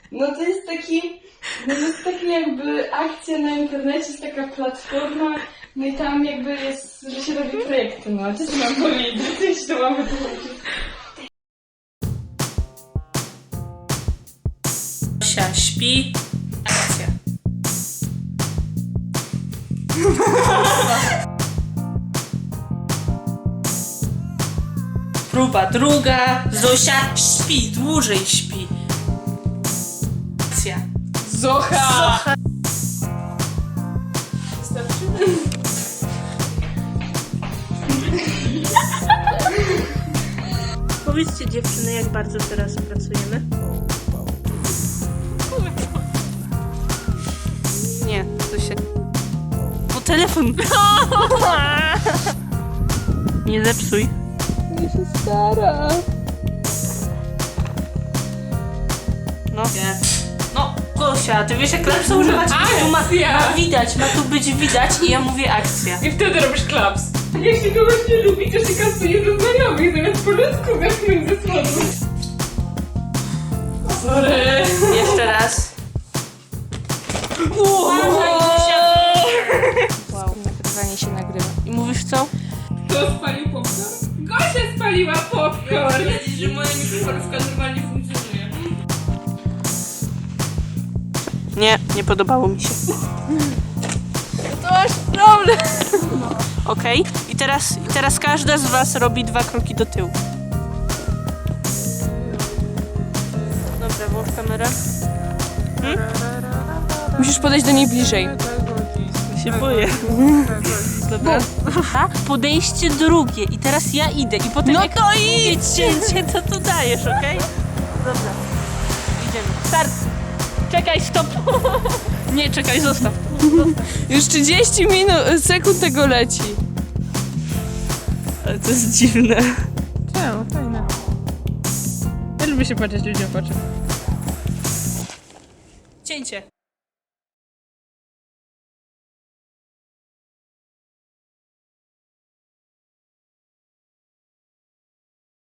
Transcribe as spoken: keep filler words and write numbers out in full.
No to jest taki, no to jest taki jakby akcja na internecie, jest taka platforma, no i tam jakby jest, że się robi projekty, no co mam powiedzieć, coś to mamy powiedzieć. Zosia śpi, akcja. Próba druga, Zosia śpi, dłużej śpi. Akcja. Zocha! Zocha. Powiedzcie dziewczyny, jak bardzo teraz pracujemy? Nie, to się... Bo telefon... Nie zepsuj. Ja się stara. No. No, Gosia, ty wiesz jak klapsa używać? Tu ma, ma widać, ma tu być widać i ja mówię akcja. I wtedy robisz klaps. Jeśli kogoś nie lubi, to się kasuje do znajomych, zamiast po ludzku wepchnąć ze słodu. Sorry. Jeszcze raz. Wow, nagrywanie się nagrywa. I mówisz co? Kto spalił popcorn? Gosia spaliła popcorn! Wiedzieć, że moja mikroforówka normalnie funkcjonuje. Nie, nie podobało mi się. To masz problem. Okej, okay. I teraz, i teraz każda z was robi dwa kroki do tyłu. Dobra, włącz kamerę. Hmm? Musisz podejść do niej bliżej. Się boję. Dobra. Podejście drugie i teraz ja idę i potem No jak to idź! cięcie, to tu dajesz, okej? Okay? Dobra. Idziemy. Start! Czekaj, stop! Nie, czekaj, zostaw. Już trzydzieści minut, sekund tego leci. Ale to jest dziwne. Czemu? Fajne. Ja lubię się patrzeć ludziom w oczy. Cięcie.